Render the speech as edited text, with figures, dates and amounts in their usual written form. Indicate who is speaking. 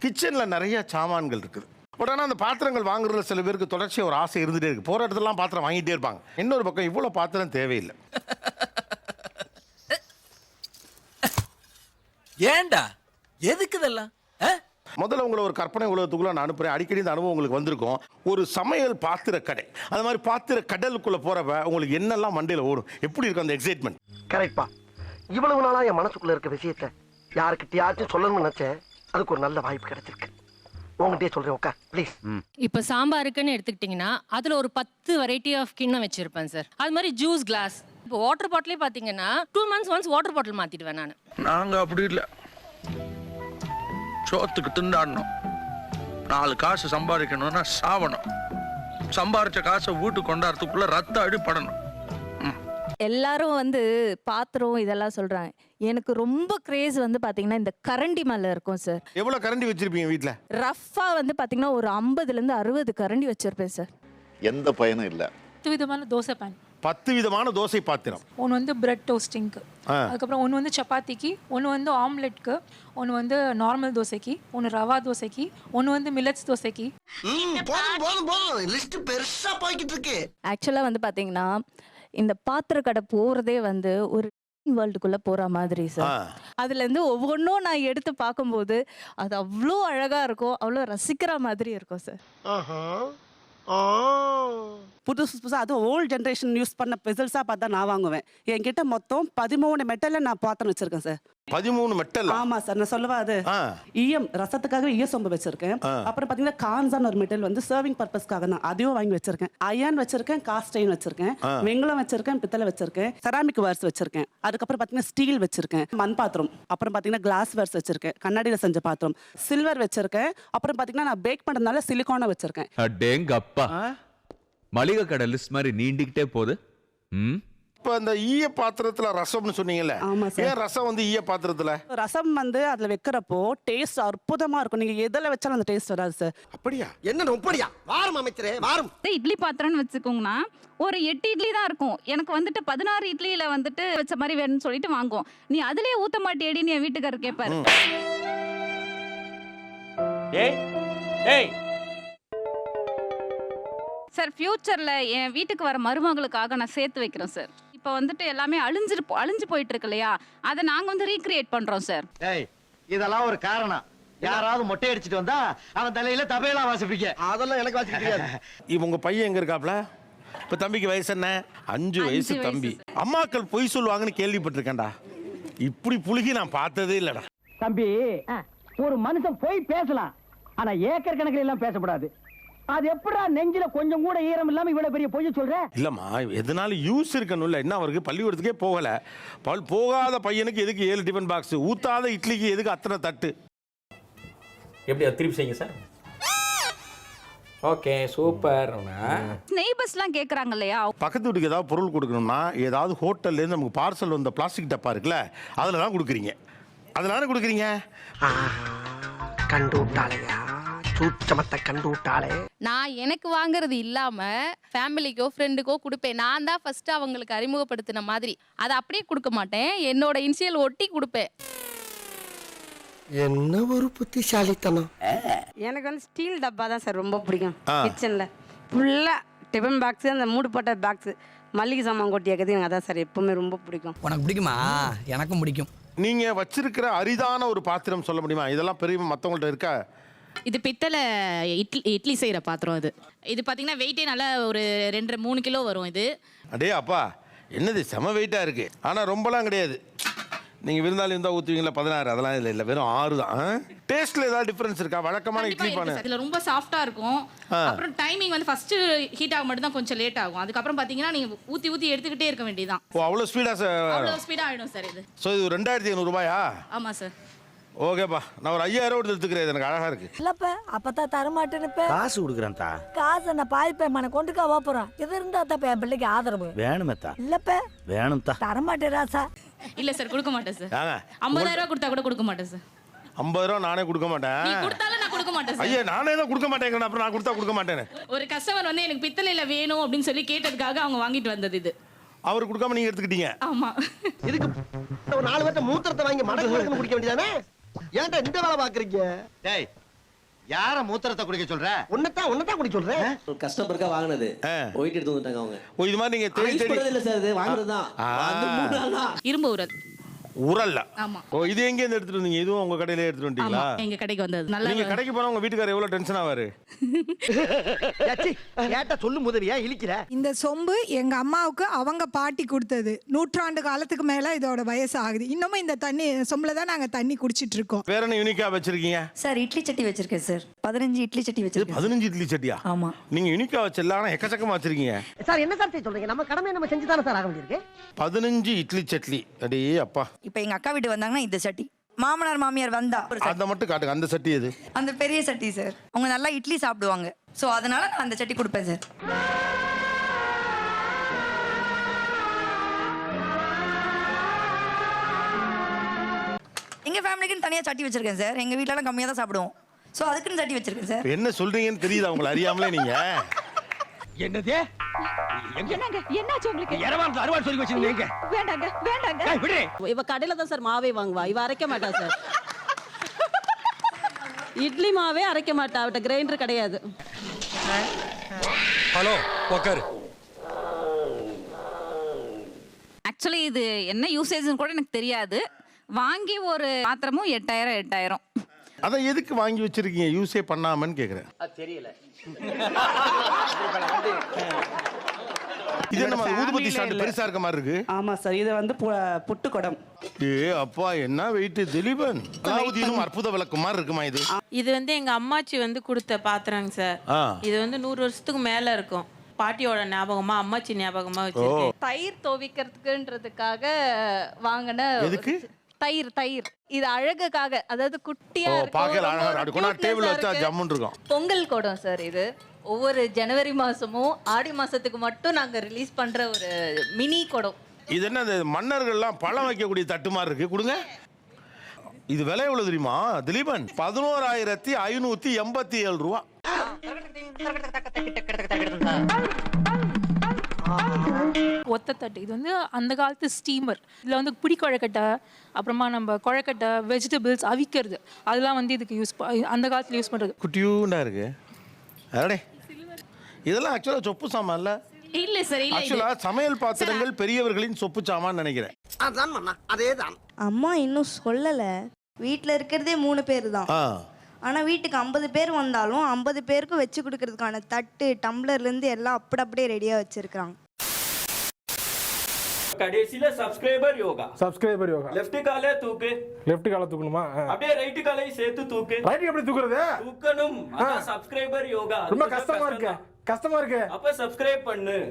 Speaker 1: கிச்சனில் நிறைய சாமான்கள் இருக்குது. பட் ஆனால் அந்த பாத்திரங்கள் வாங்குறதுல சில பேருக்கு தொடர்ச்சியாக ஒரு ஆசை இருந்துகிட்டே இருக்குது. போகிற இடத்துலலாம் பாத்திரம் வாங்கிட்டே இருப்பாங்க. இன்னொரு பக்கம் இவ்வளோ பாத்திரம் தேவையில்லை.
Speaker 2: ஏண்டா எதுக்கு இதெல்லாம்?
Speaker 1: முதல்ல உங்களை ஒரு கற்பனை உலகத்துக்குள்ள நான் அனுப்புறேன். அடிக்கடி இந்த அனுபவம் உங்களுக்கு வந்திருக்கும். ஒரு சமையல் பாத்திர கடை, அது மாதிரி பாத்திர கடலுக்குள்ள போறப்ப உங்களுக்கு என்னெல்லாம் மண்டையில் ஓடும், எப்படி இருக்கும் அந்த எக்ஸைட்மெண்ட்?
Speaker 3: கரெக்ட்பா. இவ்வளவு நாளா என் மனசுக்குள்ள இருக்க விஷயத்த யாருக்கிட்டயாச்சும் சொல்லணும்னு நினைச்சேன். அதுக்கு ஒரு நல்ல வாய்ப்பு கிடைச்சிருக்கு. உங்ககிட்டயே சொல்றேன், உட்கார் ப்ளீஸ்.
Speaker 4: இப்போ சாம்பாருக்குன்னு எடுத்துக்கிட்டிங்கன்னா அதில் ஒரு 10 வெரைட்டி ஆஃப் கிண்ணம் வச்சிருப்பேன் சார். அது மாதிரி ஜூஸ் கிளாஸ். இப்போ வாட்டர் பாட்டிலே பார்த்தீங்கன்னா 2 months ஒன்ஸ் வாட்டர் பாட்டில் மாற்றிடுவேன் நான்.
Speaker 2: நாங்கள் அப்படி இல்லை, சோத்துக்கு திண்டாடணும். 4 காசு சம்பாதிக்கணும்னா சாவணும். சம்பாரிச்ச காசை வீட்டுக்கு கொண்டாடுறதுக்குள்ள ரத்த அடிப்படணும்.
Speaker 5: எல்லாரும் வந்து பாத்திரம் இதெல்லாம் சொல்றாங்க. எனக்கு ரொம்ப கிரேஸ் வந்து பாத்தீங்கன்னா இந்த கரண்டி மேல இருக்கும் சார்.
Speaker 1: எவ்வளவு கரண்டி வச்சிருப்பீங்க வீட்ல?
Speaker 5: ரஃபா வந்து பாத்தீங்கன்னா ஒரு 50ல இருந்து 60 கரண்டி வச்சிருப்பேன் சார்.
Speaker 6: எந்த பயனும் இல்ல.
Speaker 7: 10 விதமான தோசை பேன்,
Speaker 1: 10 விதமான தோசை பாத்திரம்.
Speaker 7: ஒன்று வந்து பிரெட் டோஸ்டிங்க்கு, அதுக்கப்புறம் ஒன்று வந்து சப்பாத்திக்கு, ஒன்று வந்து ஆம்லெட்க்கு, ஒன்று வந்து நார்மல் தோசைக்கு, ஒன்று ரவா தோசைக்கு, ஒன்று வந்து மில்லட்ஸ் தோசைக்கு.
Speaker 3: போதும் லிஸ்ட் பெருசா போய்கிட்டு இருக்கு.
Speaker 5: ஆக்சுவலா வந்து பாத்தீங்கன்னா இந்த பாத்திர கடை போறதே வந்து ஒரு வேர்ல்டுக்குள்ள போற மாதிரி சார். அதுல இருந்து ஒவ்வொன்றும் நான் எடுத்து பார்க்கும்போது அது அவ்வளோ அழகா இருக்கும், அவ்வளோ ரசிக்கிற மாதிரி இருக்கும் சார்.
Speaker 8: புதுசு புதுசாக அதுவும் ஓல்டு ஜென்ரேஷன் யூஸ் பண்ண பெசல்ஸாக பார்த்தா நான் வாங்குவேன். என்கிட்ட மொத்தம் 13 மெட்டலில் நான் பாத்திரம் வச்சிருக்கேன் சார்.
Speaker 1: 13 மெட்டல்?
Speaker 8: ஆமா சார். நான் சொல்லவா அது ஈயம் ரசத்துக்காக ஈய சொம்பு வச்சிருக்கேன். அப்புறம் பார்த்தீங்கன்னா கான்சான் ஒரு மெட்டல் வந்து சர்விங் பர்பஸ்க்காக நான் அதையும் வாங்கி வச்சிருக்கேன். அயன் வச்சிருக்கேன், காஸ்ட் அயன் வச்சிருக்கேன், வெங்கலம் வச்சிருக்கேன், பித்தளை வச்சிருக்கேன், செராமிக் வேர்ஸ் வச்சிருக்கேன். அதுக்கப்புறம் பார்த்தீங்கன்னா ஸ்டீல் வச்சிருக்கேன், மண் பாத்திரம், அப்புறம் பார்த்தீங்கன்னா கிளாஸ் வேர்ஸ் வச்சிருக்கேன், கண்ணாடியில் செஞ்ச பாத்திரம், சில்வர் வச்சிருக்கேன். அப்புறம் பார்த்தீங்கன்னா நான் பேக் பண்ணுறதுனால சிலிக்கானை வச்சிருக்கேன்.
Speaker 9: அடேங்கப்பா, மளிகை கடை லிஸ்ட் மாதிரி நீண்டிக்கிட்டே போகுது.
Speaker 1: இப்போ அந்த ஈய பாத்திரத்துல ரசம்னு சொன்னீங்கல்ல, ஏன் ரசம் வந்து ஈய பாத்திரத்துல?
Speaker 8: ரசம் வந்து அதுல வைக்கிறப்போ டேஸ்ட் அற்புதமா இருக்கும். நீங்க எதுல வச்சாலும் அந்த டேஸ்ட் வராது சார்.
Speaker 1: அப்படியா?
Speaker 3: என்ன அப்படியா? வாரம் அமைச்சரே வாரம்.
Speaker 10: இட்லி பாத்திரம்னு வச்சுக்கோங்கன்னா ஒரு 8 இட்லி தான் இருக்கும். எனக்கு வந்துட்டு 16 இட்லியில வந்துட்டு வச்ச மாதிரி வேணும்னு சொல்லிட்டு வாங்குவோம். நீ அதுலயே ஊத்த மாட்டேடின்னு என் வீட்டுக்காரர் கேட்பாரு. சார் ஃபியூச்சர்ல என் வீட்டுக்கு வர மருமகளுக்காக நான் சேர்த்து வைக்கிறேன் சார். இப்போ வந்துட்டு எல்லாமே அழிஞ்சு போயிட்டு இருக்கு இல்லையா, அதை நாங்க வந்து ரீக்ரியேட் பண்றோம் சார்.
Speaker 3: இதெல்லாம் ஒரு காரணம். யாராவது மொட்டை அடிச்சிட்டு வந்தா அவன் தலையில தபையெல்லாம் வாசிப்பீங்க. அதெல்லாம் எனக்கு வாசிக்க தெரியாது.
Speaker 1: உங்க பையன் எங்க இருக்காப்ல? இப்ப தம்பிக்கு வயசு என்ன? 5 வயசு தம்பி. அம்மாக்கள் பொய் சொல்லுவாங்கன்னு கேள்விப்பட்டிருக்கேன்டா. இப்படி புழுகி நான் பார்த்ததே இல்லடா.
Speaker 3: தம்பி, ஒரு மனுஷன் போய் பேசலாம், ஆனா ஏக்கர் கணக்கில் எல்லாம் பேசக்கூடாது. அது எப்படா நெஞ்சில கொஞ்சம் கூட ஈரம் இல்லாம இவ்வளவு பெரிய பொய் சொல்ற?
Speaker 1: இல்லம்மா, எதனால யூஸ் இருக்கணும்ல. என்ன அவருக்கு பள்ளிக்கூடத்துக்கே போகல. போகாத பையனுக்கு எதுக்கு 7 டிஃபன் பாக்ஸ்? ஊத்தாத இட்லிக்கு எதுக்கு அத்தனை தட்டு?
Speaker 11: எப்படி திருப்பி செய்யுங்க சார். Okay, super.
Speaker 10: நெய்பர்ஸ்லாம் கேக்குறாங்க இல்லையா,
Speaker 1: பக்கத்து வீட்டுக்கு ஏதாவது பொருள் கொடுக்கணும்னா ஏதாவது ஹோட்டல்ல இருந்து நமக்கு பார்சல் வந்த பிளாஸ்டிக் டப்பா இருக்குல்ல, அதுல தான் கொடுக்குறீங்க. அதனால கொடுக்குறீங்க.
Speaker 3: கண்டு விட்டாளையா, சூச்சமத்தை கண்டு விட்டாளே.
Speaker 4: நான் எனக்கு வாங்குறது இல்லாம ஃபேமிலிக்கோ ஃப்ரெண்டுக்கோ கொடுப்பேன். நான் தான் ஃபர்ஸ்ட் அவங்களுக்கு அறிமுகப்படுத்தின மாதிரி. அதை அப்படியே கொடுக்க மாட்டேன், என்னோட இனிஷியல் ஒட்டி கொடுப்பேன்.
Speaker 3: என்ன ஒரு புத்திசாலித்தனம்.
Speaker 12: எனக்கு வந்து ஸ்டீல் டப்பா தான் சார் ரொம்ப பிடிக்கும். கிச்சனில் ஃபுல்லாக டிஃபன் பாக்ஸு, அந்த மூடு போட்ட பாக்ஸு, மல்லிகை சாமான் கொட்டி வைக்கிறது எனக்கு அதான் சார் எப்பவுமே ரொம்ப பிடிக்கும்.
Speaker 2: உனக்கு பிடிக்குமா? எனக்கும் பிடிக்கும்.
Speaker 1: நீங்க வச்சிருக்கிற அரிதான ஒரு பாத்திரம் சொல்ல முடியுமா? இதெல்லாம் பெரிய மற்றவங்கள்ட்ட இருக்கா?
Speaker 4: இது பித்தளை இட்லி செய்கிற பாத்திரம். இது பார்த்தீங்கன்னா வெயிட்டே நல்லா ஒரு 2-3 கிலோ வரும். இது
Speaker 1: அடே அப்பா, என்னது செம வெயிட்டாக இருக்குது. ஆனால் ரொம்பலாம் கிடையாது. நீங்கள் விருந்தாளி இருந்தால் ஊற்றுவீங்களா 16? அதெல்லாம் இல்லை, வெறும் 6 தான். டேஸ்ட்டில் ஏதாவது டிஃப்ரென்ஸ் இருக்கா? வழக்கமான இட்லி பானை
Speaker 4: இதில் ரொம்ப சாஃப்டாக இருக்கும். அப்புறம் டைமிங் வந்து ஃபஸ்ட்டு ஹீட் ஆக மட்டும் தான் கொஞ்சம் லேட் ஆகும். அதுக்கப்புறம் பார்த்தீங்கன்னா நீங்கள் ஊற்றி எடுத்துக்கிட்டே இருக்க வேண்டியதான்.
Speaker 1: ஓ, அவ்வளோ ஸ்பீடாக?
Speaker 4: அவ்வளோ ஸ்பீடாக ஆகிடும் சார் இது.
Speaker 1: ஸோ இது 2500 ரூபாயா?
Speaker 4: ஆமாம் சார்.
Speaker 1: ஓகேப்பா, நான் ஒரு 5000 எடுத்துக்கிறேன். எனக்கு அழகா இருக்கு.
Speaker 12: இல்லப்ப அப்பதான் தரமாட்டேன்னு
Speaker 6: காசு கொடுக்குறேன் தா.
Speaker 12: காசு நான் பாதிப்பேன் மன கொண்டுக்கா போறோம். இது இருந்தா தான் என் பிள்ளைக்கு ஆதரவு
Speaker 6: வேணுமே தா.
Speaker 12: இல்லப்ப
Speaker 6: வேணும் தா.
Speaker 12: தரமாட்டேன் ராசா.
Speaker 4: இல்ல சார், கொடுக்க மாட்டேன் சார். 50000 ரூபாய் கொடுத்தா கூட கொடுக்க மாட்டேன் சார்.
Speaker 1: 50 ரூபா நானே கொடுக்க மாட்டேன்.
Speaker 4: நீ கொடுத்தாலும் நான் கொடுக்க மாட்டேன் சார்.
Speaker 1: ஐயா, நானே தான் கொடுக்க மாட்டேங்கிறேன். அப்புறம் நான் கொடுத்தா கொடுக்க மாட்டேன்னு.
Speaker 4: ஒரு கஸ்டமர் வந்து எனக்கு பித்தளையில வேணும் அப்படின்னு சொல்லி கேட்டதுக்காக அவங்க வாங்கிட்டு வந்தது இது.
Speaker 1: அவர் கொடுக்காம நீங்க எடுத்துக்கிட்டீங்க.
Speaker 4: ஆமா.
Speaker 3: இதுக்கு ஒரு 4 பேர்ட்ட மூத்திரத்தை வாங்கி மடக்கு குடிக்க வேண்டியதானே? ஏன்டா இந்த வேலை பாக்குறீங்க?
Speaker 6: டேய்,
Speaker 3: யார மூத்திரத்தை குடிக்க சொல்ற? உன்னதான் குடிக்க சொல்றேன்.
Speaker 13: கஸ்டமருக்கா வாங்கினது போயிட்டு எடுத்து வந்துட்டாங்க அவங்க.
Speaker 1: ஓ இது மாதிரி நீங்க தேடி தேடி
Speaker 13: இல்ல சார், இது வாங்குறதுதான். அது 3 நாள் தான்.
Speaker 10: இரும்பு உரல்.
Speaker 1: உரல்ல.
Speaker 10: ஆமா.
Speaker 1: ஓ இது எங்க இருந்து எடுத்துட்டு வந்தீங்க? இதுவும் உங்க கடையில எடுத்துட்டு வந்தீங்களா?
Speaker 10: எங்க கடைக்கு வந்தது. நல்லா
Speaker 1: நீங்க கடைக்கு போனா உங்க வீட்டுக்காரர் எவ்வளவு டென்ஷன் ஆவாரு?
Speaker 3: ஏட்ட சொல்லு முதவியா இழிக்கிற.
Speaker 14: இந்த சொம்பு எங்க அம்மாவுக்கு அவங்க பாட்டி கொடுத்தது. 100 ஆண்டு காலத்துக்கு மேல இதோட வயசு ஆகுது. இன்னமும் இந்த தண்ணி சொம்புல தான் நாங்க தண்ணி குடிச்சிட்டு இருக்கோம்.
Speaker 1: வேற என்ன யூனிக்கா வச்சிருக்கீங்க?
Speaker 12: சார் இட்லி சட்டி வச்சிருக்கேன் சார். 15 இட்லி சட்டி வச்சிருக்கேன்.
Speaker 1: 15 இட்லி சட்டியா?
Speaker 12: ஆமா.
Speaker 1: நீங்க யூனிக்கா வச்சிரல, ஆனா எக்கச்சக்கமா வச்சிருக்கீங்க.
Speaker 3: சார் என்ன சார் சொல்றீங்க? நம்ம கடமை நம்ம செஞ்சு தானே சார் ஆக வேண்டியிருக்கு.
Speaker 1: 15 இட்லி சட்லி. அடே அப்பா.
Speaker 12: இப்போ எங்க அக்கா வீட்டு வந்தாங்கன்னா இந்த சட்டி, மாமனார் மாமியார் வந்தா
Speaker 1: அத மட்டும் காட்டுங்க. அந்த சட்டி எது?
Speaker 12: அந்த பெரிய சட்டி சார். அவங்க நல்லா இட்லி சாப்பிடுவாங்க. சோ அதனால நான் அந்த சட்டி கொடுப்பேன் சார். எங்க ஃபேமிலிக்குன்னு தனியா சட்டி வச்சிருக்கேன் சார். எங்க வீட்ல எல்லாம் கம்மியா தான் சாப்பிடுவோம். சோ அதுக்குன்னு சட்டி வச்சிருக்கேன் சார்.
Speaker 1: என்ன சொல்றீங்கன்னு தெரியுதா உங்களை அறியாமலே நீங்க?
Speaker 3: என்னதே?
Speaker 10: என்னங்க என்னாச்சு உங்களுக்கு?
Speaker 3: இரவான் அறுவாள் சொல்லி வச்சிருக்கீங்க.
Speaker 10: வேண்டாங்க வேண்டாங்க.
Speaker 3: ஏய் விடு.
Speaker 8: இவ கடையில தான் சார் மாவே வாங்குவா. இவ அரைக்க மாட்டா சார். இட்லி மாவே அரைக்க மாட்டா. அவட்ட கிரைண்டர் கிடையாது.
Speaker 11: ஹலோ உட்காரு.
Speaker 10: ஆக்சுவலி இது என்ன யூசேஜ்னு கூட எனக்கு தெரியாது. வாங்கி ஒரு பாத்திரமும் 8000.
Speaker 1: அத எதுக்கு வாங்கி வச்சிருக்கீங்க யூஸே பண்ணாமன்னு கேக்குறேன்.
Speaker 3: தெரியல.
Speaker 1: இது என்ன ஊதுபத்தி ஸ்டாண்ட் பெருசா இருக்க மாதிரி இருக்கு?
Speaker 8: ஆமா சார், இது வந்து புட்டு குடம்.
Speaker 1: ஏ அப்பா என்ன வெயிட் திலீபன். அலாவுதீனும் அற்புத விளக்கு மாதிரி இருக்குமா இது?
Speaker 12: இது வந்து எங்க அம்மாச்சி வந்து கொடுத்த பாத்திரங்க சார். இது வந்து 100 வருஷத்துக்கு மேல இருக்கும். பாட்டியோட ஞாபகமா, அம்மாச்சி ஞாபகமா வச்சிருக்கேன்.
Speaker 5: தயிர் துவைக்கிறதுக்குன்றதுக்காக வாங்கின
Speaker 1: எதுக்கு?
Speaker 5: தயிர் இது அழகுக்காக, அதாவது குட்டியா
Speaker 1: பாக்கல அழகா இருக்கும். டேபிள் வச்சா ஜம்முன்னு இருக்கும்.
Speaker 5: பொங்கல் குடம் சார் இது. ஒவ்வொரு ஜனவரி மாசமும் ஆடி மாசத்துக்கு மட்டும் நாங்க ரிலீஸ் பண்ற ஒரு மினி குடம்.
Speaker 1: இது என்ன மன்னர்கள்லாம் பழம் வைக்கக்கூடிய தட்டு மாதிரி இருக்கு, கொடுங்க. இது விலை எவ்வளவு தெரியுமா திலீபன்? 11,587 ரூபா.
Speaker 7: ஒத்த தட்டு. இது வந்து அந்த காலத்து ஸ்டீமர். இதில் வந்து பிடி குழக்கட்டை, அப்புறமா நம்ம குழக்கட்டை, வெஜிடபிள்ஸ் அவிக்கிறது, அதெல்லாம் வந்து இதுக்கு அந்த காலத்தில் யூஸ் பண்ணுறது.
Speaker 1: குட்டியூண்டா இருக்கு. அடடே இதெல்லாம் ஆக்சுவலா சொப்பு சாமான் இல்ல?
Speaker 10: இல்ல சார், இல்ல.
Speaker 1: ஆக்சுவலா சமையல் பாத்திரங்கள் பெரியவர்களின் சொப்பு சாமான் நினைக்கிறேன்.
Speaker 3: அதான் மண்ணா, அதேதான்.
Speaker 12: அம்மா இன்னும் சொல்லல. வீட்ல இருக்கிறதே 3 பேர் தான். ஆனா வீட்டுக்கு 50 பேர் வந்தாலும் 50 பேருக்கு வச்சு கொடுக்கறதுக்கான தட்டு, டம்ளர்ல இருந்து எல்லாம் அப்படியே ரெடியா வச்சிருக்காங்க.
Speaker 11: கடைசில சப்ஸ்கிரைபர் யோகா. லெஃப்ட் காலை தூக்கணுமா? அப்படியே ரைட் காலையும் சேர்த்து தூக்கு.
Speaker 1: ரைட் எப்படி தூக்குறது?
Speaker 11: தூக்கணும். அதான் சப்ஸ்கிரைபர் யோகா.
Speaker 1: ரொம்ப கஷ்டமா இருக்கு.
Speaker 11: அப்ப சப்ஸ்கிரைப் பண்ணு.